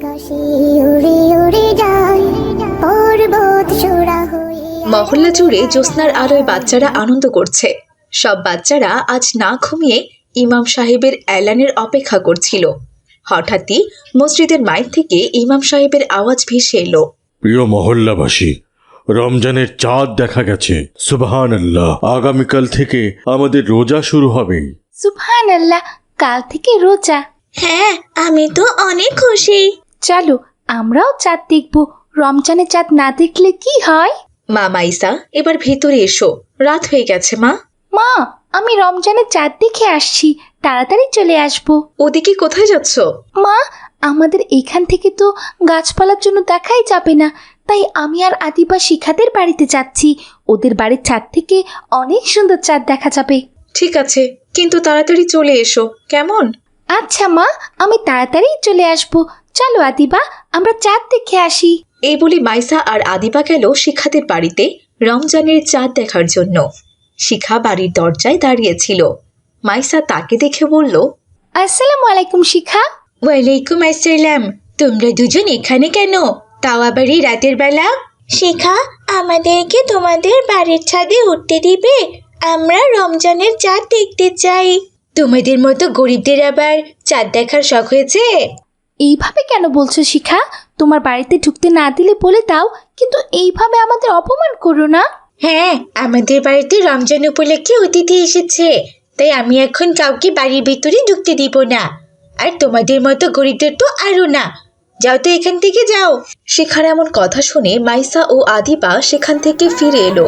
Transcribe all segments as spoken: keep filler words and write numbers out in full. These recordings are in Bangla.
মহল্লা জুড়ে জ্যোৎস্নার আলোয় বাচ্চারা আনন্দ করছে। সব বাচ্চারা আজ না ঘুমিয়ে ইমাম সাহেবের এলানের অপেক্ষা করছিল। হঠাৎই মসজিদের মাইক থেকে ইমাম সাহেবের আওয়াজ ভেসে এলো, প্রিয় মহল্লাবাসী, রমজানের চাঁদ দেখা গেছে। সুবহানাল্লাহ, আগামীকাল থেকে আমাদের রোজা শুরু হবে। সুবহানাল্লাহ, কাল থেকে রোজা। হ্যাঁ, আমি তো অনেক খুশি। চলো আমরাও চাঁদ দেখব। রমজানের চাঁদ না দেখলে কি হয়? মা মাইসা, এবার ভেতরে এসো, রাত হয়ে গেছে। মা মা আমি রমজানের চাঁদ দেখে আসছি, তাড়াতাড়ি চলে আসবো। ওদিকে কোথায় যাচ্ছ? মা আমাদের এখান থেকে তো গাছপালার জন্য দেখাই যাবে না, তাই আমি আর আদিবা শিখাদের বাড়িতে যাচ্ছি। ওদের বাড়ির ছাদ থেকে অনেক সুন্দর চাঁদ দেখা যাবে। ঠিক আছে, কিন্তু তাড়াতাড়ি চলে এসো, কেমন? আচ্ছা মা, আমি তাড়াতাড়ি চলে আসবো। চলো আদিবা, আমরা চাঁদ দেখে আসি। এই বলে মাইসা আর আদিবা গেল শিখাদের বাড়িতে রমজানের চাঁদ দেখার জন্য। শিখা বাড়ির দরজায় দাঁড়িয়েছিল। মাইসা তাকে দেখে বলল, আসসালামু আলাইকুম শিখা। ওয়ালাইকুম আসসালাম। তোমরা দুজন এখানে কেন, তাও আবার এই রাতের বেলা? শিখা, আমাদেরকে তোমাদের বাড়ির ছাদে উঠতে দিবে? আমরা রমজানের চাঁদ দেখতে চাই। তোমাদের মতো গরিবদের আবার চাঁদ দেখার শখ হয়েছে? এইভাবে কেন বলছো শিখা? তোমার বাড়িতে ঢুকতে না দিলে বলে দাও, কিন্তু এইভাবে আমাদের অপমান করো না। হ্যাঁ, আমাদের বাড়িতে রমজান উপলক্ষে অতিথি এসেছে, তাই আমি এখন কাউকে বাড়ির ভিতরে ঢুকতে দিব না। আর তোমাদের মতো গরিবদের তো আরো না। যাও তো এখান থেকে, যাও। শিখার এমন কথা শুনে মাইসা ও আদিবা সেখান থেকে ফিরে এলো।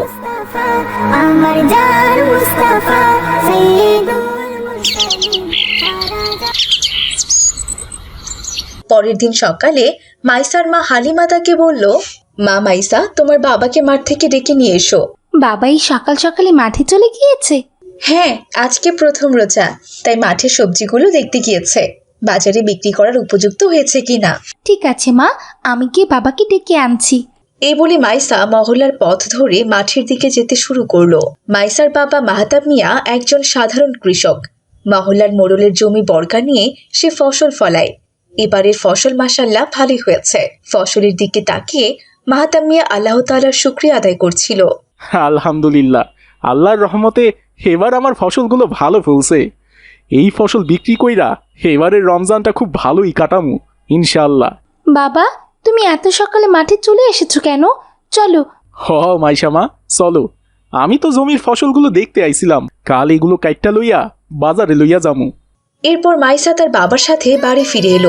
পরের দিন সকালে মাইসার মা হালিমা তাকে বলল, মা মাইসা, তোমার বাবাকে মাঠ থেকে ডেকে নিয়ে এসো। বাবা এই সকাল সকালে মাঠে চলে গিয়েছে? হ্যাঁ, আজকে প্রথম রোজা, তাই মাঠে সবজিগুলো দেখতে গিয়েছে, বাজারে বিক্রি করার উপযুক্ত হয়েছে কিনা। ঠিক আছে মা, আমি গিয়ে বাবাকে ডেকে আনছি। এই বলে মাইসা মহল্লার পথ ধরে মাঠের দিকে যেতে শুরু করলো। মাইসার বাবা মাহতাব মিয়া একজন সাধারণ কৃষক। মহল্লার মোড়লের জমি বর্গা নিয়ে সে ফসল ফলায়। এবারের ফসল মাশাআল্লাহ ভালোই হয়েছে। ফসলের দিকে তাকিয়ে মাহতাব মিয়া আল্লাহ তাআলার শুকরিয়া আদায় করছিল। আলহামদুলিল্লাহ, আল্লাহর রহমতে এবার আমার ফসলগুলো ভালো ফলছে। এই ফসল বিক্রি কইরা এবারের রমজানটা খুব ভালোই কাটামু ইনশাআল্লাহ। বাবা তুমি এত সকালে মাঠে চলে এসেছো কেন? চলো। হ মাইশামা, চলো। আমি তো জমির ফসলগুলো দেখতে আইছিলাম, কাল এগুলো কাইটটা লইয়া বাজারে লইয়া যামু। এরপর মাইসা তার বাবার সাথে বাড়ি ফিরে এলো।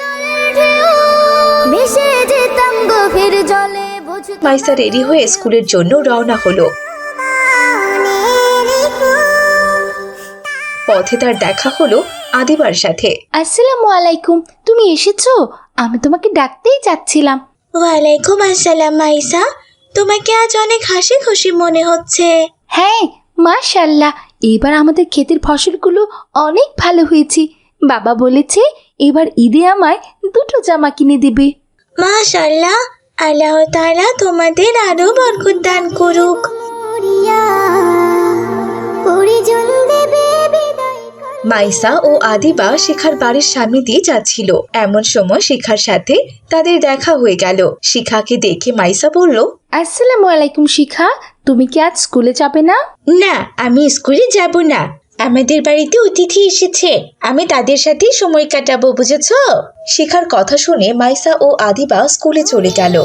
মাইসা রেডি হয়ে স্কুলের জন্য রওনা হলো। পথে তার দেখা হলো আদিবার সাথে। আসসালামু আলাইকুম, তুমি এসেছো? আমি তোমাকে ডাকতেই যাচ্ছিলাম। ওয়ালাইকুম আসসালাম মাইসা, তোমাকে আজ অনেক হাসি খুশি মনে হচ্ছে। হ্যাঁ মাশাআল্লাহ, এবার আমাদের ক্ষেতের ফসলগুলো অনেক ভালো হয়েছে। বাবা বলেছে এবার ঈদে আমায় দুটো জামা কিনে দিবে। মাশাআল্লাহ, আল্লাহ তাআলা তোমাদের আরো বরকত দান করুক। মাইসা ও আদিবা শিখার বাড়ির সামনে দিয়ে যাচ্ছিল। এমন সময় শিখার সাথে তাদের দেখা হয়ে গেল। শিখাকে দেখে মাইসা বলল, আসসালামু আলাইকুম শিখা, তুমি কি আজ স্কুলে যাবে না? না, আমি স্কুলে যাব না। আমাদের বাড়িতে অতিথি এসেছে, আমি তাদের সাথে সময় কাটাবো, বুঝেছো? শিখার কথা শুনে মাইসা ও আদিবা স্কুলে চলে গেল।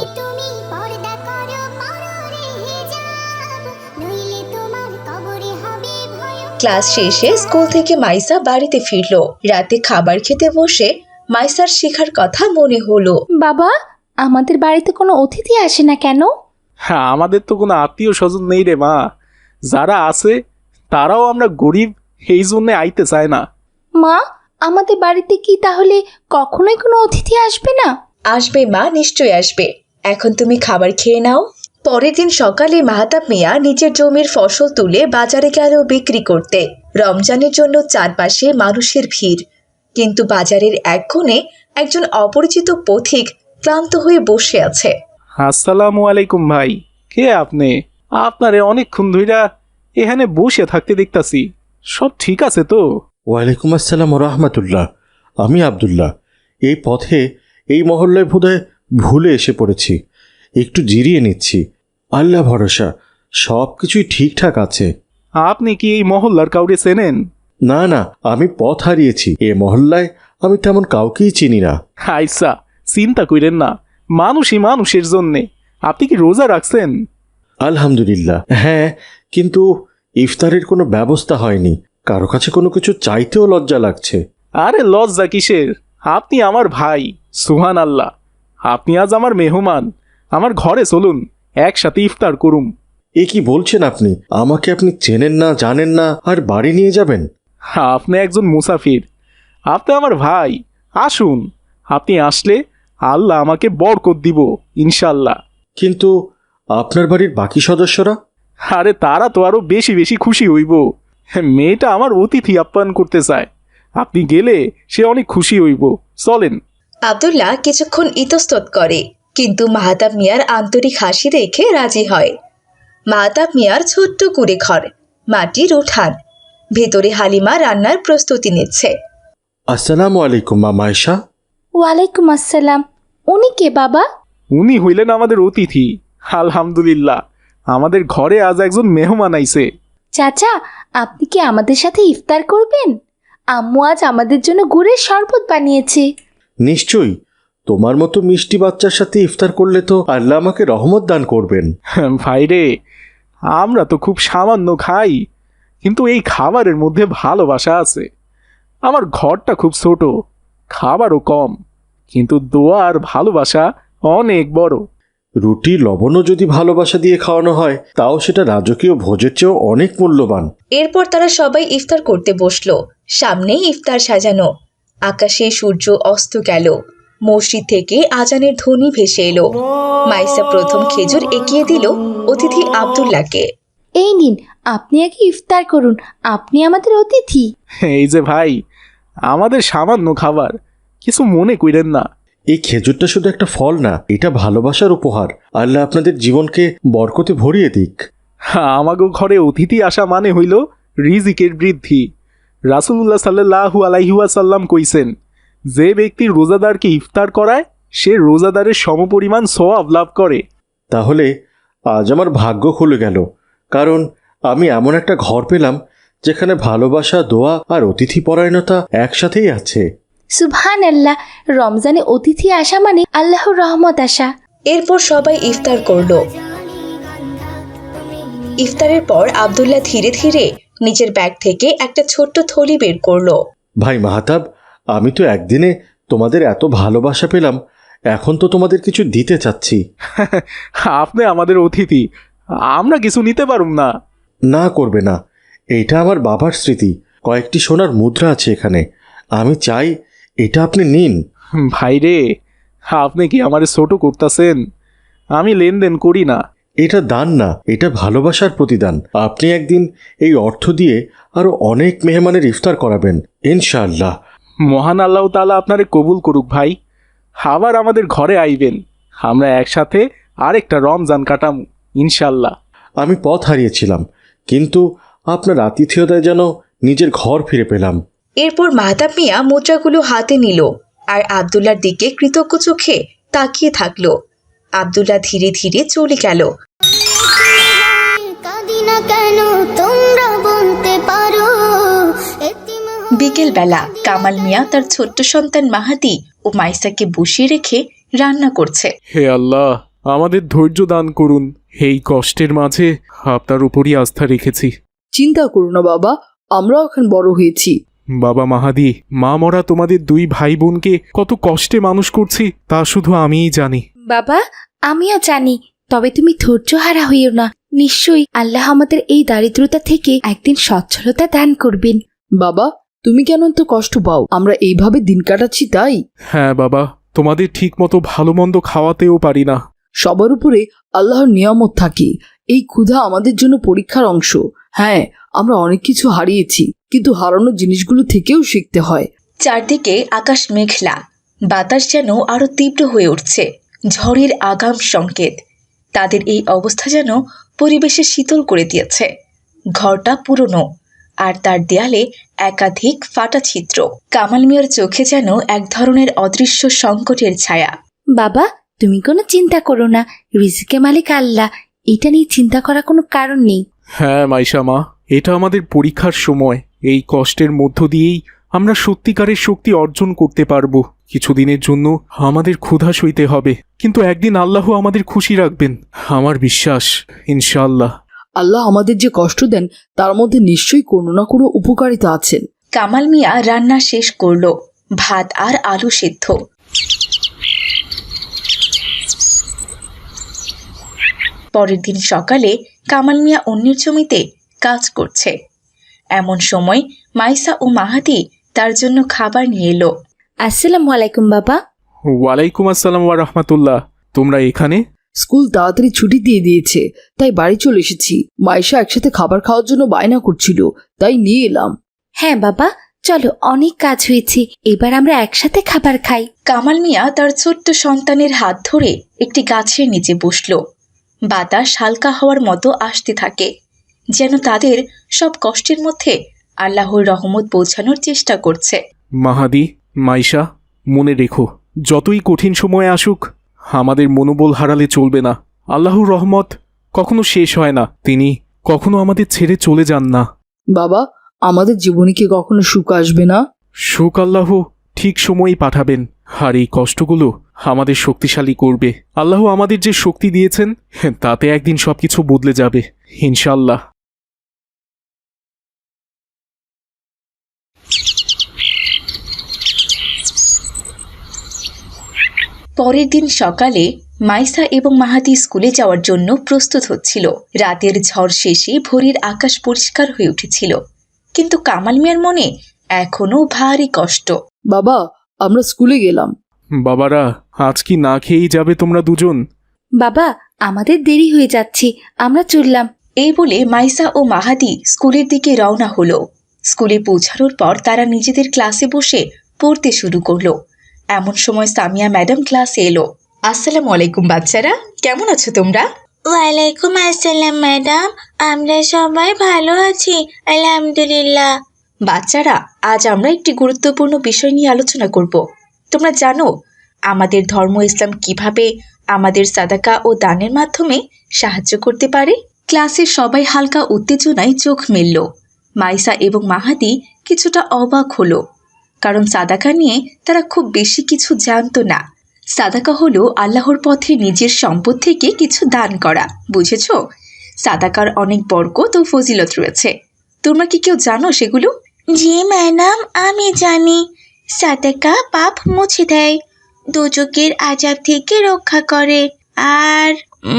ক্লাস শেষে স্কুল থেকে মাইসা বাড়িতে ফিরলো। রাতে খাবার খেতে বসে মাইসার শিখার কথা মনে হলো। বাবা আমাদের বাড়িতে কোনো অতিথি আসে না কেন? হ্যাঁ, আমাদের তো কোনো আত্মীয় স্বজন নেই রে মা। যারা আছে তারাও আমরা গরিব, এই জন্যে আইতে চায় না। মা আমাদের বাড়িতে কি তাহলে কখনোই কোনো অতিথি আসবে না? আসবে মা, নিশ্চয়ই আসবে। এখন তুমি খাবার খেয়ে নাও। পরের দিন সকালে মাহতাব মিয়া নিজের জমির ফসল তুলে বাজারে গেল বিক্রি করতে। রমজানের জন্য চারপাশে মানুষের ভিড়, কিন্তু বাজারের এক কোণে একজন অপরিচিত পথিক ক্লান্ত হয়ে বসে আছে। আসসালামু আলাইকুম ভাই, কে আপনি? আপনারে অনেকক্ষণ ধইরা এখানে বসে থাকতে দেখতাছি, সব ঠিক আছে তো? ওয়ালাইকুম আসসালাম রাহমাতুল্লাহ, আমি আব্দুল্লাহ। এই পথে এই মহল্লায় বোধহয় ভুলে এসে পড়েছি, একটু জিরিয়ে নিচ্ছি। আল্লাহ ভরসা, সব কিছুই ঠিকঠাক আছে। আপনি কি এই মহল্লার কাউরে চেনেন? না না, আমি পথ হারিয়েছি। এ মহল্লায় আমি তেমন কাউকেই চিনি না। আইসা, চিন্তা কইরেন না, মানুষই মানুষের জন্যে। আপনি কি রোজা রাখছেন? আলহামদুলিল্লাহ, হ্যাঁ, কিন্তু ইফতারের কোনো ব্যবস্থা হয়নি। কারো কাছে কোনো কিছু চাইতেও লজ্জা লাগছে। আরে লজ্জা কিসের? আপনি আমার ভাই, সুহান আল্লাহ। আপনি আজ আমার মেহমান, আমার ঘরে চলুন, একসাথে ইফতার করুম। এ কি বলছেন আপনি? আমাকে আপনি চেনেন না, জানেন না, আর বাড়ি নিয়ে যাবেন? আপনি একজন মুসাফির, আপনি আমার ভাই। আসুন, আপনি আসলে আল্লাহ আমাকে বরকত দিব ইনশাল্লাহ। কিন্তু আপনার বাড়ির বাকি সদস্যরা? আরে তারা তো আরো বেশি বেশি খুশি হইব। মেয়েটা আমার অতিথি আপ্যায়ন করতে চায়, আপনি গেলে সে অনেক খুশি হইব। চলেন। আব্দুল্লাহ কিছুক্ষণ ইতস্তত করে, কিন্তু মাহতাব মিয়ার আন্তরিক হাসি দেখে রাজি হয়। মাহতাব মিয়ার ছোট্ট কুড়ে ঘর, মাটির উঠান, ভেতরে হালিমা রান্নার প্রস্তুতি নিচ্ছে। আসসালামু আলাইকুম মা মায়েশা। ওয়ালাইকুম আসসালাম। উনি কে বাবা? উনি হইলেন আমাদের অতিথি। আলহামদুলিল্লাহ, আমাদের ঘরে আজ একজন মেহমান আইছে। চাচা, আপনি কি আমাদের সাথে ইফতার করবেন? আম্মু আজ আমাদের জন্য গুড়ের শরবত বানিয়েছে। নিশ্চয়ই, তোমার মতো মিষ্টি বাচ্চার সাথে ইফতার করলে তো আল্লাহ আমাকে রহমত দান করবেন। ভাইরে, আমরা তো খুব সামান্য খাই, কিন্তু এই খাবারের মধ্যে ভালোবাসা আছে। আমার ঘরটা খুব ছোট, খাবারও কম, কিন্তু দোয়া আর ভালোবাসা অনেক বড়। রুটি লবণও যদি ভালোবাসা দিয়ে খাওয়ানো হয়, তাও সেটা রাজকীয় ভোজের চেয়েও অনেক মূল্যবান। এরপর তারা সবাই ইফতার করতে বসলো। সামনেই ইফতার সাজানো, আকাশে সূর্য অস্ত গেল, মসজিদ থেকে আজানের ধ্বনি ভেসে এলো। মাইসা প্রথম খেজুর এগিয়ে দিল অতিথি আব্দুল্লাহকে। এই নিন, আপনি আগে ইফতার করুন, আপনি আমাদের অতিথি। এই যে ভাই, আমাদের সামান্য খাবার, কিছু মনে কইরেন না। এই খেজুরটা শুধু একটা ফল না, এটা ভালোবাসার উপহার। আল্লাহ আপনাদের জীবনকে বরকতে ভরিয়ে দিক। আমাগো ঘরে অতিথি আসা মানে হইল রিজিকের বৃদ্ধি। রাসূলুল্লাহ সাল্লাল্লাহু আলাইহি ওয়াসাল্লাম কইছেন, যে ব্যক্তি রোজাদারকে ইফতার করায় সে রোজাদারের সমপরিমাণ সওয়াব লাভ করে। তাহলে আজ আমার ভাগ্য খুলে গেল, কারণ আমি এমন একটা ঘর পেলাম যেখানে ভালোবাসা, দোয়া আর অতিথি পরায়ণতা একসাথেই আছে। সুবহান আল্লাহ, রমজানে অতিথি আসা মানে আল্লাহর রহমত আসা। এরপর সবাই ইফতার করলো। ইফতারের পর আব্দুল্লাহ ধীরে ধীরে নিজের ব্যাগ থেকে একটা ছোট্ট থলি বের করলো। ভাই মাহতাব, আমি তো একদিনে তোমাদের এত ভালোবাসা পেলাম, এখন তো তোমাদের কিছু দিতে চাচ্ছি। আপনি আমাদের অতিথি, আমরা কিছু নিতে পারুম না। না করবে না, এটা আমার বাবার স্মৃতি। কয়েকটি সোনার মুদ্রা আছে এখানে, আমি চাই এটা আপনি নিন। ভাইরে, আপনি কি আমার ছোট করতেছেন? আমি লেনদেন করি না। এটা দান না, এটা ভালোবাসার প্রতিদান। আপনি একদিন এই অর্থ দিয়ে আরো অনেক মেহমানের ইফতার করাবেন ইনশাআল্লাহ। মহান আল্লাহ তাআলা আপনারে কবুল করুক ভাই। আবার আমাদের ঘরে আইবেন, আমরা একসাথে আরেকটা রমজান কাটাম ইনশাল্লাহ। আমি পথ হারিয়েছিলাম, কিন্তু আপনার আতিথেয়তায় যেন নিজের ঘর ফিরে পেলাম। এরপর মাহতাব মিয়া মুদ্রাগুলো হাতে নিল আর আব্দুল্লাহর দিকে কৃতজ্ঞ চোখে তাকিয়ে থাকলো। আব্দুল্লাহ ধীরে ধীরে চলে গেল। বিকেল বেলা কামাল মিয়া তার ছোট্ট সন্তান মাহাদি ও মাইসাকে বসিয়ে রেখে রান্না করছে। হে আল্লাহ, আমাদের ধৈর্য দান করুন। এই কষ্টের মাঝে আপনার উপরই আস্থা রেখেছি। চিন্তা করো না বাবা, আমরাও এখন বড় হয়েছি। বাবা মাহাদি, মা মরা তোমাদের দুই ভাই বোনকে কত কষ্টে মানুষ করছি তা শুধু আমিই জানি। বাবা, আমিও জানি, তবে তুমি ধৈর্য হারা হইও না। নিশ্চয়ই আল্লাহ আমাদের এই দারিদ্রতা থেকে একদিন সচ্ছলতা দান করবেন। বাবা, তুমি কেন এত কষ্ট পাও? আমরা এইভাবে দিন কাটাচ্ছি তাই। হ্যাঁ বাবা, তোমাদের ঠিক মতো ভালো মন্দ খাওয়াতেও পারি না। সবার উপরে আল্লাহর নিয়ামত থাকে। এই ক্ষুধা আমাদের জন্য পরীক্ষার অংশ। হ্যাঁ, আমরা অনেক কিছু হারিয়েছি, কিন্তু হারানো জিনিসগুলো থেকেও শিখতে হয়। চারদিকে আকাশ মেঘলা, বাতাস যেন আরো তীব্র হয়ে উঠছে, ঝড়ের আগাম সংকেত। তাদের এই অবস্থা যেন পরিবেশে শীতল করে দিয়েছে। ঘরটা পুরনো, আর তার দেয়ালে একাধিক ফাটা ছিদ্র। কামাল মিয়ার চোখে যেন এক ধরনের অদৃশ্য সংকটের ছায়া। বাবা, তুমি কোনো চিন্তা করো না, রিজিকে মালিক আল্লাহ, এটা নিয়ে চিন্তা করার কোনো কারণ নেই। হ্যাঁ মাইশা মা, এটা আমাদের পরীক্ষার সময়। এই কষ্টের মধ্য দিয়েই আমরা সত্যিকারের শক্তি অর্জন করতে পারবো। কিছুদিনের জন্য আমাদের ক্ষুধা সইতে হবে, কিন্তু একদিন আল্লাহ আমাদের খুশি রাখবেন, আমার বিশ্বাস, ইনশাআল্লাহ। আল্লাহ আমাদের যে কষ্ট দেন তার মধ্যে নিশ্চয়ই কোনো না কোনো উপকারিতা আছেন। কামাল মিয়া রান্না শেষ করলো, ভাত আর আলু সেদ্ধ। পরের দিন সকালে কামাল মিয়া অন্যের জমিতে কাজ করছে। এমন সময় মাইসা ও মাহাদি তার জন্য খাবার নিয়ে এলো। আসসালামু আলাইকুম বাবা। ওয়ালাইকুম আসসালাম ওয়া রাহমাতুল্লাহ। তোমরা এখানে? স্কুল তাড়াতাড়ি ছুটি দিয়ে দিয়েছে, তাই বাড়ি চলে এসেছি। মাইশা একসাথে খাবার খাওয়ার জন্য বায়না করছিল, তাই নিয়ে এলাম। হ্যাঁ বাবা, চলো, অনেক কাজ হয়েছে, এবার আমরা একসাথে খাবার খাই। কামাল মিয়া তার ছোট্ট সন্তানের হাত ধরে একটি গাছের নিচে বসল। বাতাস হালকা হওয়ার মতো আসতে থাকে, যেন তাদের সব কষ্টের মধ্যে আল্লাহর রহমত পৌঁছানোর চেষ্টা করছে। মাহাদি, মাইশা, মনে রেখো, যতই কঠিন সময় আসুক আমাদের মনোবল হারালে চলবে না। আল্লাহর রহমত কখনো শেষ হয় না, তিনি কখনো আমাদের ছেড়ে চলে যান না। বাবা, আমাদের জীবনে কি কখনো সুখ আসবে না? সুখ আল্লাহ ঠিক সময়ই পাঠাবেন, আর এই কষ্টগুলো আমাদের শক্তিশালী করবে। আল্লাহ আমাদের যে শক্তি দিয়েছেন তাতে একদিন সবকিছু বদলে যাবে, ইনশাআল্লাহ। পরের দিন সকালে মাইসা এবং মাহাদি স্কুলে যাওয়ার জন্য প্রস্তুত হচ্ছিল। রাতের ঝড় শেষে ভোরের আকাশ পরিষ্কার হয়ে উঠেছিল, কিন্তু কামাল মিয়ার মনে এখনো ভারী কষ্ট। বাবা, আমরা স্কুলে গেলাম। বাবারা, আজ কি না খেয়েই যাবে তোমরা দুজন? বাবা, আমাদের দেরি হয়ে যাচ্ছে, আমরা চললাম। এই বলে মাইসা ও মাহাদি স্কুলের দিকে রওনা হলো। স্কুলে পৌঁছানোর পর তারা নিজেদের ক্লাসে বসে পড়তে শুরু করলো। এমন সময় সামিয়া ম্যাডাম ক্লাসে এলো। আসসালামু আলাইকুম বাচ্চারা, কেমন আছো তোমরা? ওয়ালাইকুম আসসালাম ম্যাডাম, আমরা সবাই ভালো আছি আলহামদুলিল্লাহ। বাচ্চারা, আজ আমরা একটি গুরুত্বপূর্ণ বিষয় নিয়ে আলোচনা করব। তোমরা জানো আমাদের ধর্ম ইসলাম কিভাবে আমাদের সাদাকা ও দানের মাধ্যমে সাহায্য করতে পারে? ক্লাসের সবাই হালকা উত্তেজনায় চোখ মেলল। মাইসা এবং মাহাদি কিছুটা অবাক হলো, কারণ সাদাকা নিয়ে তারা খুব বেশি কিছু জানতো না। সাদাকা হলো আল্লাহর পথে নিজের সম্পদ থেকে কিছু দান করা, বুঝেছো? সাদাকার অনেক বরকত ও ফজিলত রয়েছে। তোমরা কি কেউ জানো সেগুলো? জি ম্যাডাম, আমি জানি। সাদাকা পাপ মুছে দেয়, দোজখের আযাব থেকে রক্ষা করে, আর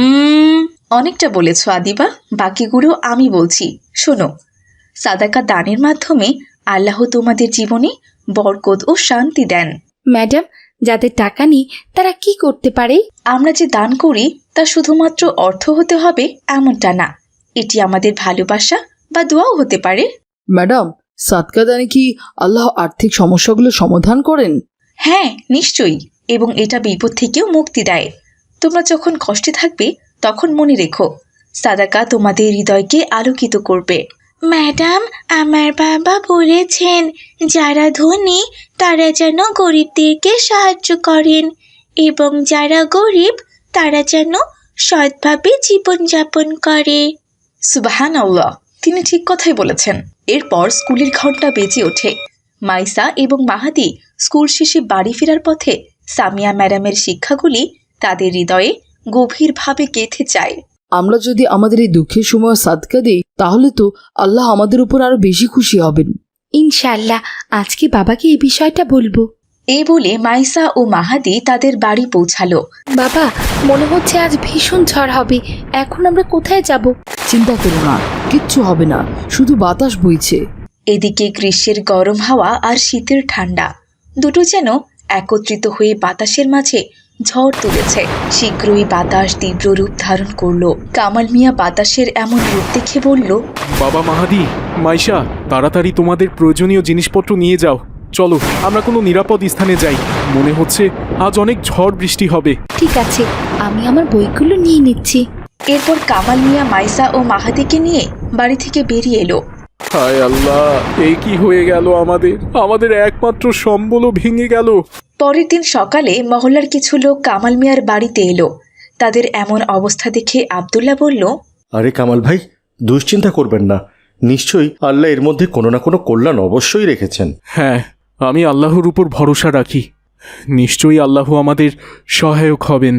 উম অনেকটা বলেছ আদিবা, বাকিগুলো আমি বলছি, শোনো। সাদাকা দানের মাধ্যমে আল্লাহ তোমাদের জীবনে বরকত ও শান্তি দেন। ম্যাডাম, যাদের টাকা নেই তারা কি করতে পারে? আমরা যে দান করি তা শুধুমাত্র অর্থ হতে হবে এমনটা না, এটি আমাদের ভালোবাসা বা দোয়াও হতে পারে। ম্যাডাম, সাদকা দানে কি আল্লাহ আর্থিক সমস্যাগুলো সমাধান করেন? হ্যাঁ, নিশ্চয়ই, এবং এটা বিপদ থেকেও মুক্তি দেয়। তোমরা যখন কষ্টে থাকবে তখন মনে রেখো, সাদাকা তোমাদের হৃদয়কে আলোকিত করবে। ম্যাডাম, আমার বাবা বলেছেন যারা ধনী তারা যেন গরিবদেরকে সাহায্য করেন, এবং যারা গরিব তারা যেন সৎভাবে জীবনযাপন করে। সুবহানাল্লাহ, তিনি ঠিক কথাই বলেছেন। এরপর স্কুলের ঘন্টা বেজে ওঠে। মাইসা এবং মাহাদি স্কুল শেষে বাড়ি ফেরার পথে সামিয়া ম্যাডামের শিক্ষাগুলি তাদের হৃদয়ে গভীরভাবে গেঁথে যায়। আমরা যদি আমাদের এই দুঃখের সময় সাদকা দিই তাহলে তো আল্লাহ আমাদের উপর আরো বেশি খুশি হবেন। ইনশাআল্লাহ, আজকে বাবাকে এই বিষয়টা বলবো। এই বলে মাইসা ও মাহাদি তাদের বাড়ি পৌঁছালো। বাবা, মনে হচ্ছে আজ ভীষণ ঝড় হবে, এখন আমরা কোথায় যাব? চিন্তা করো না, কিচ্ছু হবে না, শুধু বাতাস বইছে। এদিকে গ্রীষ্মের গরম হাওয়া আর শীতের ঠান্ডা দুটো যেন একত্রিত হয়ে বাতাসের মাঝে ঝড় তুলেছে। শীঘ্রই বাতাস তীব্র রূপ ধারণ করলো। কামাল মিয়া বাতাসের এমন রূপ দেখে বলল, বাবা মাহাদি, মাইশা, তাড়াতাড়ি তোমাদের প্রয়োজনীয় জিনিসপত্র নিয়ে যাও। চলো আমরা কোনো নিরাপদ স্থানে যাই, মনে হচ্ছে আজ অনেক ঝড় বৃষ্টি হবে। ঠিক আছে, আমি আমার বইগুলো নিয়ে নিচ্ছি। এরপর কামাল মিয়া মাইসা ও মাহাদিকে নিয়ে বাড়ি থেকে বেরিয়ে এলো। হায় আল্লাহ, এই কি হয়ে গেল আমাদের আমাদের একমাত্র সম্বলও ভেঙে গেল। পরের দিন সকালে মহল্লার কিছু লোক কামাল মিয়ার বাড়িতে এলো। তাদের এমন অবস্থা দেখে আব্দুল্লাহ বলল, আরে কামাল ভাই, দুশ্চিন্তা করবেন না, নিশ্চয়ই আল্লাহ এর মধ্যে কোনো না কোনো কল্যাণ অবশ্যই রেখেছেন। হ্যাঁ, আমি আল্লাহর উপর ভরসা রাখি, নিশ্চয়ই আল্লাহ আমাদের সহায়ক হবেন।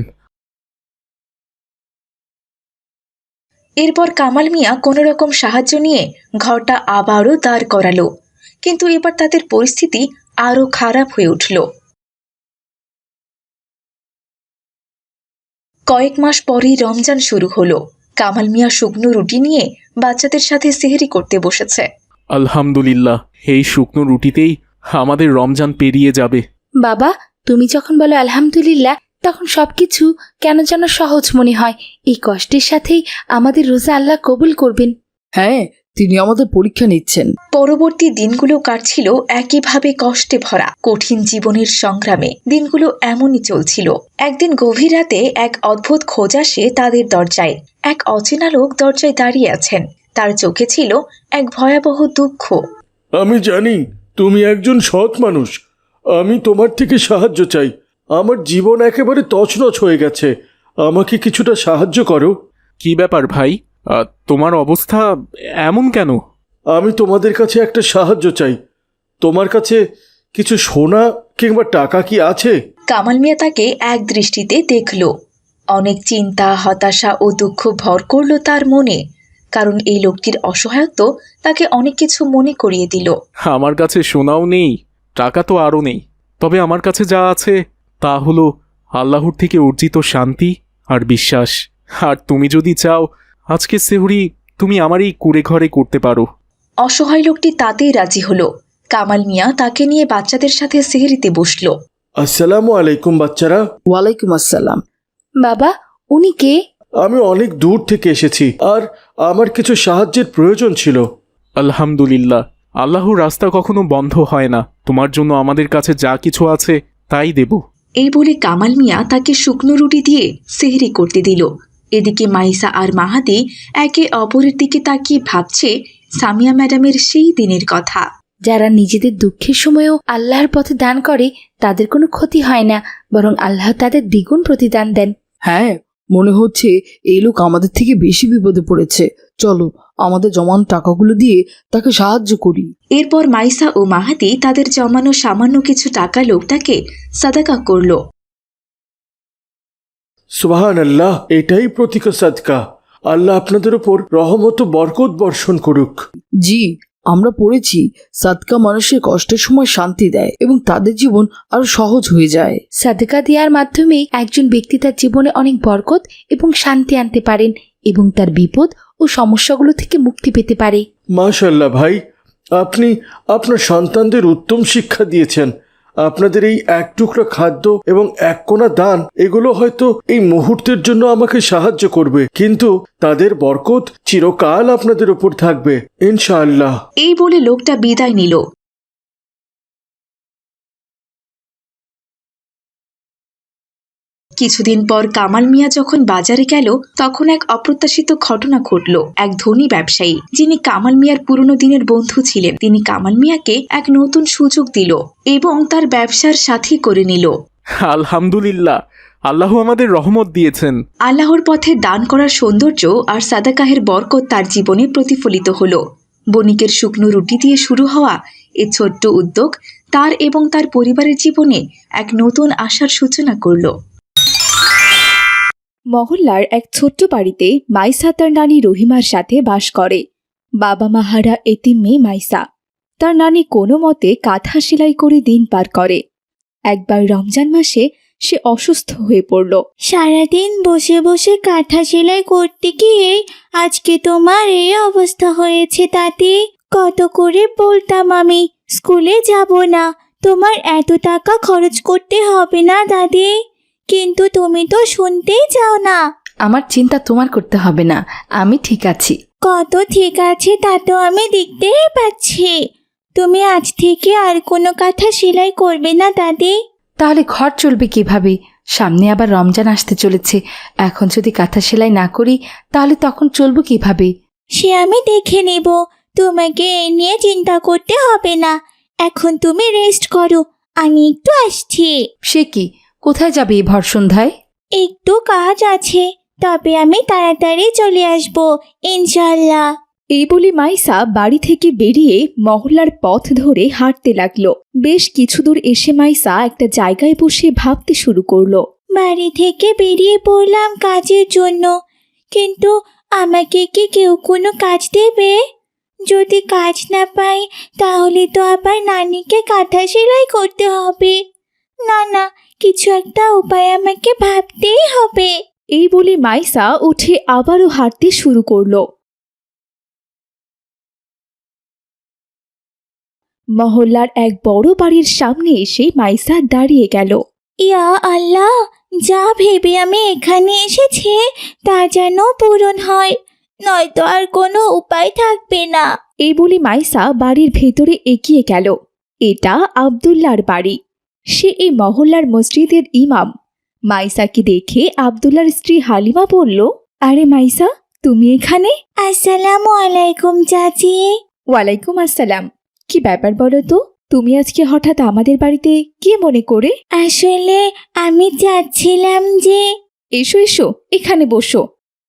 এরপর কামাল মিয়া কোনো রকম সাহায্য নিয়ে ঘরটা আবারও দাঁড় করালো, কিন্তু এবার তাদের পরিস্থিতি আরো খারাপ হয়ে উঠল। কয়েক মাস পরেই রমজান শুরু হলো। কামাল মিয়া শুকনো রুটি নিয়ে বাচ্চাদের সাথে সেহরি করতে বসেছে। আলহামদুলিল্লাহ, এই শুকনো রুটিতেই আমাদের রমজান পেরিয়ে যাবে। বাবা, তুমি যখন বলো আলহামদুলিল্লাহ, তখন সবকিছু কেন যেন সহজ মনে হয়। এই কষ্টের সাথেই আমাদের রোজা আল্লাহ কবুল করবেন। হ্যাঁ, তিনি আমাদের পরীক্ষা নিচ্ছেন। পরবর্তী দিনগুলো কাটছিল একইভাবে কষ্টে ভরা কঠিন জীবনের সংগ্রামে। দিনগুলো এমনই চলছিল। একদিন গভীর রাতে এক অদ্ভুত খোঁজ আসে তাদের দরজায়। এক অচেনা লোক দরজায় দাঁড়িয়ে আছেন। তার চোখে ছিল এক ভয়াবহ দুঃখ। আমি জানি তুমি একজন সৎ মানুষ, আমি তোমার থেকে সাহায্য চাই। আমার জীবন একেবারে তছনছ হয়ে গেছে, আমাকে কিছুটা সাহায্য করো। কি ব্যাপার ভাই, আহ, তোমার অবস্থা এমন কেন? আমি তোমাদের কাছে একটা সাহায্য চাই। তোমার কাছে কিছু সোনা কিংবা টাকা কি আছে? কামাল মিয়া তাকে এক দৃষ্টিতে দেখল। অনেক চিন্তা, হতাশা ও দুঃখ ভর করল তার মনে, কারণ এই লোকটির অসহায়ত্ব তাকে অনেক কিছু মনে করিয়ে দিল। আমার কাছে সোনাও নেই, টাকা তো আরও নেই, তবে আমার কাছে যা আছে তা হলো আল্লাহর থেকে অর্জিত শান্তি আর বিশ্বাস। আর তুমি যদি চাও, আজকে সেহরি তুমি আমার এই কুড়ে ঘরে করতে পারো। অসহায় লোকটি তাতেই রাজি হলো। কামাল মিয়া তাকে নিয়ে বাচ্চাদের সাথে সেহরিতে বসল। আসসালামু আলাইকুম বাচ্চারা। ওয়ালাইকুম আসসালাম। বাবা, উনি কে? আমি অনেক দূর থেকে এসেছি, আর আমার কিছু সাহায্যের প্রয়োজন ছিল। আলহামদুলিল্লাহ, আল্লাহর রাস্তা কখনো বন্ধ হয় না। তোমার জন্য আমাদের কাছে যা কিছু আছে তাই দেব। এই বলে কামাল মিয়া তাকে শুকনো রুটি দিয়ে সেহরি করতে দিল। এদিকে মাইসা আর মাহাদি একে অপরের দিকে তাকিয়ে ভাবছে সামিয়া ম্যাডামের সেই দিনের কথা। যারা নিজেদের দুঃখের সময়ও আল্লাহর পথে দান করে, তাদের কোনো ক্ষতি হয় না, বরং আল্লাহ তাদের দ্বিগুণ প্রতিদান দেন। হ্যাঁ, মনে হচ্ছে এই লোক আমাদের থেকে বেশি বিপদে পড়েছে। চলো আমাদের জমানো টাকাগুলো দিয়ে তাকে সাহায্য করি। এরপর মাইসা ও মাহাদি তাদের জমানো সামান্য কিছু টাকা লোকটাকে সাদাকা করল। সুবহান আল্লাহ, এটাই প্রতীক সাদকা। আল্লাহ আপনাদের উপর রহমত ও বরকত বর্ষণ করুক। জি, আমরা পড়েছি সাদকা মানুষের কষ্টের সময় শান্তি দেয় এবং তাদের জীবন আরো সহজ হয়ে যায়। সাদকা দেওয়ার মাধ্যমে একজন ব্যক্তি তার জীবনে অনেক বরকত এবং শান্তি আনতে পারেন এবং তার বিপদ ও সমস্যাগুলো থেকে মুক্তি পেতে পারে। মাশাআল্লাহ ভাই, আপনি আপনার সন্তানদের উত্তম শিক্ষা দিয়েছেন। আপনাদের এই এক টুকরা খাদ্য এবং এক কোনা দান, এগুলো হয়তো এই মুহূর্তের জন্য আমাকে সাহায্য করবে, কিন্তু তাদের বরকত চিরকাল আপনাদের উপর থাকবে ইনশাআল্লাহ। এই বলে লোকটা বিদায় নিল। কিছুদিন পর কামাল মিয়া যখন বাজারে গেল, তখন এক অপ্রত্যাশিত ঘটনা ঘটল। এক ধনী ব্যবসায়ী, যিনি কামাল মিয়ার পুরনো দিনের বন্ধু ছিলেন, তিনি কামাল মিয়াকে এক নতুন সুযোগ দিল এবং তার ব্যবসার সাথী করে নিল। আলহামদুলিল্লাহ, আল্লাহ আমাদের রহমত দিয়েছেন। আল্লাহর পথে দান করার সৌন্দর্য আর সাদাকাহের বরকত তার জীবনে প্রতিফলিত হলো। বণিকের শুকনো রুটি দিয়ে শুরু হওয়া এই ছোট্ট উদ্যোগ তার এবং তার পরিবারের জীবনে এক নতুন আশার সূচনা করল। মহল্লার এক ছোট্ট বাড়িতে মাইসা তার নানি রহিমার সাথে বাস করে। বাবা মাহারা এতিম মেয়ে মাইসা। তার নানি কোনো মতে কাঁথা সেলাই করে দিন পার করে। একবার রমজান মাসে সে অসুস্থ হয়ে পড়ল। সারাদিন বসে বসে কাঁথা সেলাই করতে গিয়ে আজকে তোমার এই অবস্থা হয়েছে দাদি। কত করে বলতাম আমি স্কুলে যাব না, তোমার এত টাকা খরচ করতে হবে না দাদি, কিন্তু তুমি তো শুনতেই চাও না। আমার চিন্তা তোমার করতে হবে না, আমি ঠিক আছি। কত ঠিক আছে তা তো আমি দেখতেই পাচ্ছি। তুমি আজ থেকে আর কোনো কাঁথা সেলাই করবে না দাদি। তাহলে ঘর চলবে কিভাবে? সামনে আবার রমজান আসতে চলেছে। এখন যদি কাঁথা সেলাই না করি, তাহলে তখন চলবো কিভাবে? সে আমি দেখে নেব। তোমাকে এ নিয়ে চিন্তা করতে হবে না। এখন তুমি রেস্ট করো, আমি একটু আসছি। সে কি, কোথায় যাবে এই ভর সন্ধ্যায়? একটু কাজ আছে, তবে আমি তাড়াতাড়ি চলে আসবো ইনশাল্লাহ। এই বলে মাইসা বাড়ি থেকে বেরিয়ে মহল্লার পথ ধরে হাঁটতে লাগলো। বেশ কিছু দূর এসে মাইসা একটা জায়গায় বসে ভাবতে শুরু করলো। বাড়ি থেকে বেরিয়ে পড়লাম কাজের জন্য, কিন্তু আমাকে কি কেউ কোনো কাজ দেবে? যদি কাজ না পাই তাহলে তো আবার নানিকে কাঁথা সেলাই করতে হবে। না না, কিছু একটা উপায় আমাকে ভাবতেই হবে। এই বলে মাইসা উঠে আবারও হাঁটতে শুরু করলো। মহল্লার এক বড় বাড়ির সামনে এসে মাইসা দাঁড়িয়ে গেল। ইয়া আল্লাহ, যা ভেবে আমি এখানে এসেছি তা যেন পূরণ হয়, নয়তো আর কোনো উপায় থাকবে না। এই বলে মাইসা বাড়ির ভেতরে এগিয়ে গেল। এটা আব্দুল্লাহর বাড়ি। সে এই মহল্লার মসজিদের ইমাম। মাইসাকে দেখে আব্দুল্লাহর স্ত্রী হালিমা বলল, আরে মাইসা, তুমি এখানে? আসসালামু আলাইকুম চাচি। ওয়ালাইকুম আসসালাম। কি ব্যাপার বলো তো, তুমি আজকে হঠাৎ আমাদের বাড়িতে কি মনে করে? আসলে আমি চাচ্ছিলাম যে এসো এসো, এখানে বসো।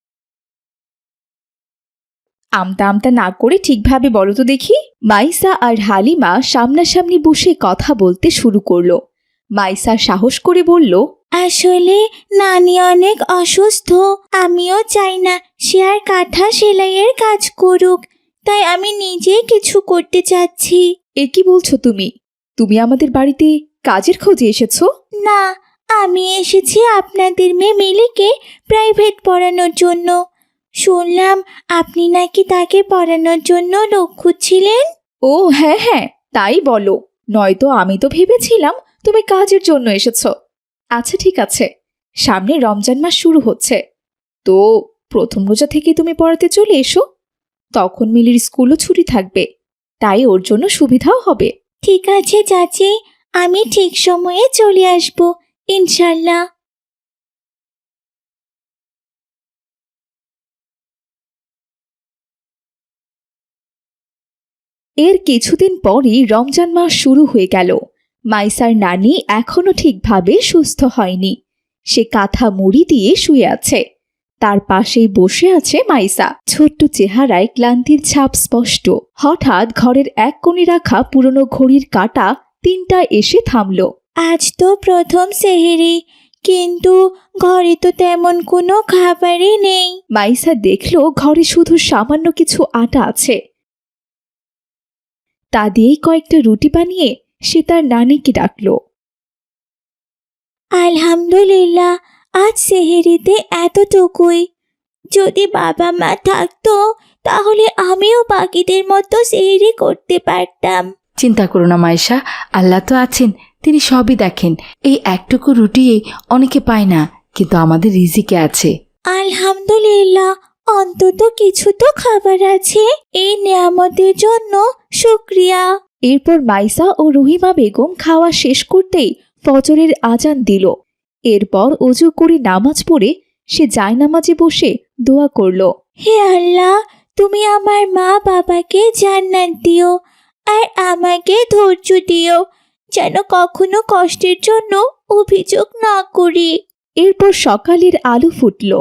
আমতা আমতা না করে ঠিকভাবে বলো তো দেখি। মাইসা আর হালিমা সামনাসামনি বসে কথা বলতে শুরু করলো। মাইসা সাহস করে বলল, আসলে নানি অনেক অসুস্থ, আমিও চাই না সে আর কাঁথা সেলাইয়ের কাজ করুক, তাই আমি নিজেই কিছু করতে চাচ্ছি। এ কি বলছো তুমি? তুমি আমাদের বাড়িতে কাজের খোঁজে এসেছো? না, আমি এসেছি আপনাদের মেয়ে মিলিকে প্রাইভেট পড়ানোর জন্য। শুনলাম আপনি নাকি তাকে পড়ানোর জন্য লোক খুঁজছিলেন। ও হ্যাঁ হ্যাঁ, তাই বলো, নয়তো আমি তো ভেবেছিলাম তুমি কাজের জন্য এসেছো। আচ্ছা ঠিক আছে, সামনে রমজান মাস শুরু হচ্ছে, তো প্রথম রোজা থেকে তুমি পড়াতে চলে এসো। তখন মিলির স্কুলও ছুটি থাকবে, তাই ওর জন্য সুবিধাও হবে। ঠিক আছে চাচি, আমি ঠিক সময়ে চলে আসব ইনশাল্লাহ। এর কিছুদিন পরই রমজান মাস শুরু হয়ে গেল। মাইসার নানি এখনো ঠিকভাবে সুস্থ হয়নি। সে কাঁথা মুড়ি দিয়ে শুয়ে আছে। তার পাশেই বসে আছে মাইসা। ছোট্ট চেহারায় ক্লান্তির ছাপ স্পষ্ট। হঠাৎ ঘরের এক কোণে রাখা পুরনো ঘড়ির কাঁটা তিনটা এসে থামল। আজ তো প্রথম সেহেরি, কিন্তু ঘরে তো তেমন কোনো খাবারই নেই। মাইসা দেখল ঘরে শুধু সামান্য কিছু আটা আছে। তা দিয়েই কয়েকটা রুটি বানিয়ে সে তার নানিকে ডাকল। আলহামদুলিল্লাহ, আজ সেহেরিতে এতটুকুই। যদি বাবা মা থাকতো তাহলে আমিও বাকিদের মতো সেহেরি করতে পারতাম। চিন্তা করো না মায়েশা, আল্লাহ তো আছেন, তিনি সবই দেখেন। এই একটুকু রুটি অনেকে পায় না, কিন্তু আমাদের রিজিকে আছে। আলহামদুলিল্লাহ, অন্তত কিছু তো খাবার আছে। এই নিয়ামতের জন্য শুকরিয়া। এরপর মাইসা ও রহিমা বেগম খাওয়া শেষ করতেই ফজরের আজান দিল। এরপর অজু করে নামাজ পড়ে সে জায়নামাজে বসে দোয়া করল। হে আল্লাহ, তুমি আমার মা বাবাকে জান্নাত দিও, আর আমাকে ধৈর্য দিও, যেন কখনো কষ্টের জন্য অভিযোগ না করি। এরপর সকালের আলো ফুটল।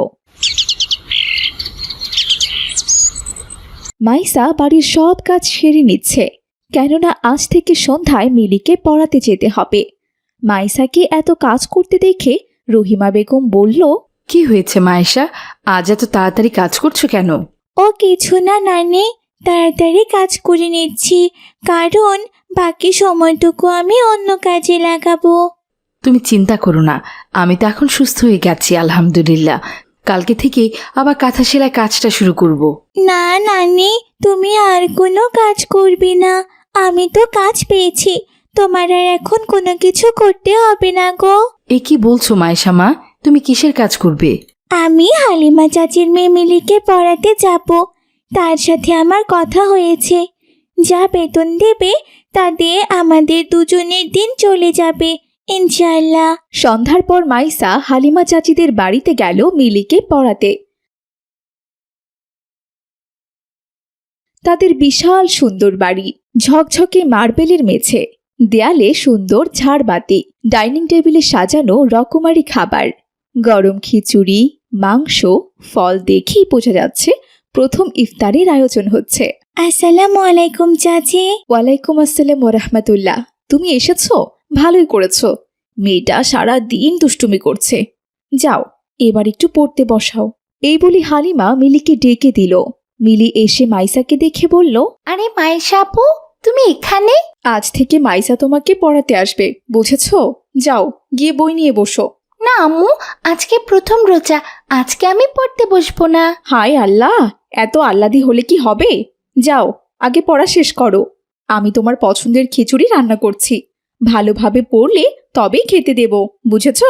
মাইসা বাড়ির সব কাজ সেরে নিচ্ছে, কেননা আজ থেকে সন্ধ্যায় মিলিকে পড়াতে যেতে হবে। মাইসাকে এত কাজ করতে দেখে রহিমা বেগম বলল, কি হয়েছে মায়েশা, আজ এত তাড়াতাড়ি কাজ করছো কেন? ও কিছু না নানি, তাড়াতাড়ি কাজ করে নিচ্ছি, কারণ বাকি সময়টুকু আমি অন্য কাজে লাগাবো। তুমি চিন্তা করো না, আমি তো এখন সুস্থ হয়ে গেছি আলহামদুলিল্লাহ। কালকে থেকে আবার কাঁথা সেলাই কাজটা শুরু করব। না নানি, তুমি আর কোনো কাজ করবে না, আমি তো কাজ পেয়েছি, তোমার আর এখন কোনো কিছু করতে হবে না গো। এ কি বলছো মায়েশা মা, তুমি কিসের কাজ করবে? আমি হালিমা চাচির মেয়ে মিলিকে পড়াতে যাব, তার সাথে আমার কথা হয়েছে। যা বেতন দেবে তা দিয়ে আমাদের দুজনের দিন চলে যাবে ইনশাআল্লাহ। সন্ধ্যার পর মাইসা হালিমা চাচিদের বাড়িতে গেল মিলিকে পড়াতে। তাদের বিশাল সুন্দর বাড়ি, ঝকঝকে মার্বেলের মেঝে, দেয়ালে সুন্দর ঝাড়বাতি, ডাইনিং টেবিলে সাজানো রকমারি খাবার, গরম খিচুড়ি, মাংস, ফল দেখেই বোঝা যাচ্ছে প্রথম ইফতারের আয়োজন হচ্ছে। আসসালামু আলাইকুম চাচি। ওয়ালাইকুম আসসালাম ওরহমতুল্লাহ। তুমি এসেছো, ভালোই করেছো। মেয়েটা সারা দিন দুষ্টুমি করছে। যাও, এবার একটু পড়তে বসাও। এই বলি হালিমা মিলিকে ডেকে দিল। মিলি এসে মাইসাকে দেখে বলল, আরে মাইশা আপু, তুমি এখানে? আজ থেকে মাইসা তোমাকে পড়াতে আসবে, বুঝেছো? যাও, গিয়ে বই নিয়ে বসো। না আম্মু, আজকে প্রথম রোজা, আজকে আমি পড়তে বসবো না। হায় আল্লাহ, এত আহ্লাদি হলে কি হবে? যাও, আগে পড়া শেষ করো। আমি তোমার পছন্দের খিচুড়ি রান্না করছি। ভালোভাবে পড়লে তবেই খেতে দেব, বুঝেছো?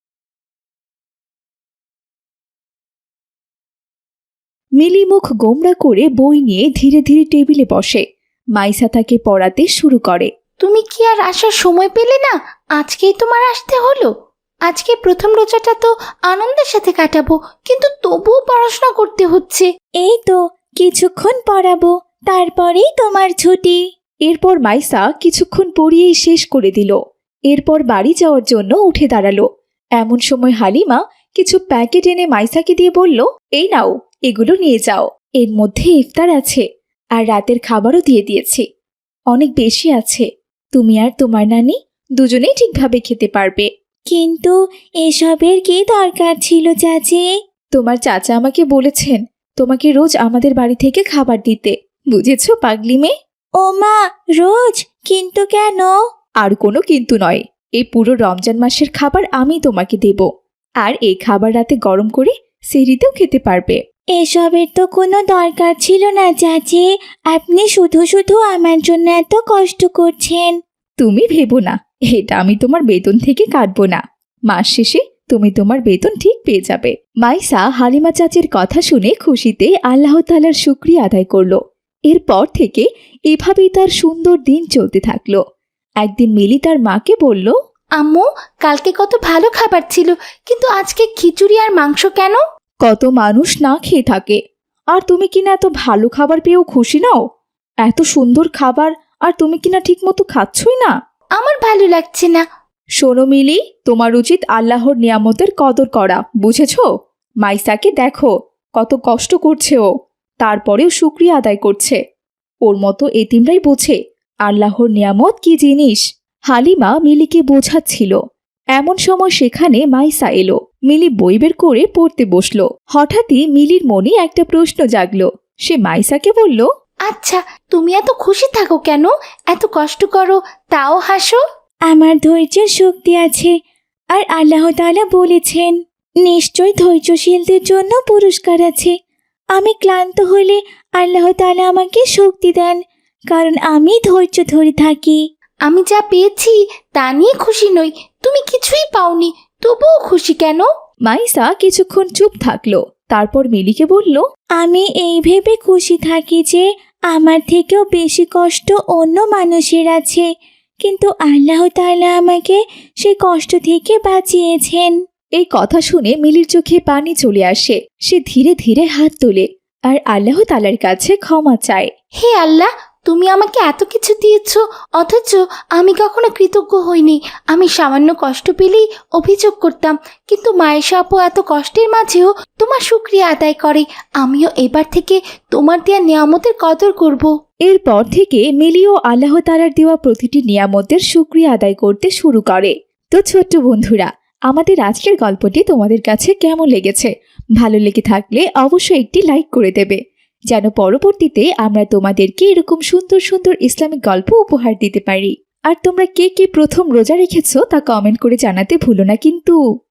মিলি মুখ গোমড়া করে বই নিয়ে ধীরে ধীরে টেবিলে বসে। মাইসা তাকে পড়াতে শুরু করে। তুমি কি আর আসার সময় পেলে না? আজকেই তোমার আসতে হলো? আজকে প্রথম রোজাটা তো আনন্দের সাথে কাটাবো, কিন্তু তবুও পড়াশোনা করতে হচ্ছে। এই তো কিছুক্ষণ পড়াবো, তারপরেই তোমার ছুটি। এরপর মাইসা কিছুক্ষণ পড়িয়েই শেষ করে দিল। এরপর বাড়ি যাওয়ার জন্য উঠে দাঁড়ালো। এমন সময় হালিমা কিছু প্যাকেট এনে মাইসাকে দিয়ে বলল, এই নাও, এগুলো নিয়ে যাও। এর মধ্যে ইফতার আছে, আর রাতের খাবারও দিয়ে দিয়েছি। অনেক বেশি আছে, তুমি আর তোমার নানি দুজনেই ঠিকভাবে খেতে পারবে। কিন্তু এসবের কি দরকার ছিল চাচি? তোমার চাচা আমাকে বলেছেন তোমাকে রোজ আমাদের বাড়ি থেকে খাবার দিতে, বুঝেছো পাগলি মেয়ে? ও মা, রোজ? কিন্তু কেন? আর কোনো কিন্তু নয়, এই পুরো রমজান মাসের খাবার আমি তোমাকে দেব। আর এই খাবার রাতে গরম করে সেহরিতেও খেতে পারবে। এসবের তো কোনো দরকার ছিল না চাচি। আপনি শুধু শুধু আমার জন্য এত কষ্ট করছেন। তুমি ভেবো না, এটা আমি তোমার বেতন থেকে কাটবো না। মাস শেষে তুমি তোমার বেতন ঠিক পেয়ে যাবে। মাইসা হালিমা চাচির কথা শুনে খুশিতে আল্লাহ তাআলার শুকরিয়া আদায় করলো। এরপর থেকে এভাবেই তার সুন্দর দিন চলতে থাকলো। একদিন মিলি তার মাকে বলল, আম্মু, কালকে কত ভালো খাবার ছিল, কিন্তু আজকে খিচুড়ি আর মাংস কেন? কত মানুষ না খেয়ে থাকে, আর তুমি কিনা এত ভালো খাবার পেয়েও খুশি নাও? এত সুন্দর খাবার, আর তুমি কিনা ঠিক মতো খাচ্ছই না। আমার ভালো লাগছে না। শোনো মিলি, তোমার উচিত আল্লাহর নিয়ামতের কদর করা, বুঝেছো? মাইসাকে দেখো, কত কষ্ট করছে ও, তারপরেও শুকরিয়া আদায় করছে। ওর মতো এতিমরাই বোঝে আল্লাহর নিয়ামত কি জিনিস। হালিমা মিলিকে বোঝাচ্ছিল। এমন সময় সেখানে মাইসা এলো। মিলি বই বের করে পড়তে বসলো। হঠাৎই মিলির মনে একটা প্রশ্ন জাগলো। সে মাইসাকে বলল, আচ্ছা, তুমি এত খুশি থাকো কেন? এত কষ্ট করো তাও হাসো? আমার ধৈর্যের শক্তি আছে, আর আল্লাহ তাআলা বলেছেন নিশ্চয় ধৈর্যশীলদের জন্য পুরস্কার আছে। আমি ক্লান্ত হলে আল্লাহ তাআলা আমাকে শক্তি দেন, কারণ আমি ধৈর্য ধরে থাকি। আমি যা পেয়েছি তা নিয়ে খুশি নই, তুমি কিছুই পাওনি, তবুও খুশি কেন? মাইসা কিছুক্ষণ চুপ থাকলো। তারপর মিলিকে বলল, আমি এই ভেবে খুশি থাকি যে আমার থেকেও বেশি কষ্ট অন্য মানুষের আছে, কিন্তু আল্লাহ তাআলা আমাকে সেই কষ্ট থেকে বাঁচিয়েছেন। এই কথা শুনে মিলির চোখে পানি চলে আসে। সে ধীরে ধীরে হাত তোলে আর আল্লাহ তাআলার কাছে ক্ষমা চায়। হে আল্লাহ, তুমি আমাকে এত কিছু দিয়েছ, অথচ আমি কখনো কৃতজ্ঞ হইনি। আমি সামান্য কষ্ট পেলেই অভিযোগ করতাম, কিন্তু মায়েশা আপু এত কষ্টের মাঝেও তোমার শুকরিয়া আদায় করে। আমিও এবার থেকে তোমার দেয়া নিয়ামতের কদর করব। এরপর থেকে মিলিও আল্লাহ তাআলার দেওয়া প্রতিটি নিয়ামতের শুকরিয়া আদায় করতে শুরু করে। তো ছোট্ট বন্ধুরা, আমাদের আজকের গল্পটি তোমাদের কাছে কেমন লেগেছে? ভালো লেগে থাকলে অবশ্যই একটি লাইক করে দেবে, যেন পরবর্তীতে আমরা তোমাদেরকে এরকম সুন্দর সুন্দর ইসলামিক গল্প উপহার দিতে পারি। আর তোমরা কে কে প্রথম রোজা রেখেছো তা কমেন্ট করে জানাতে ভুলো না কিন্তু।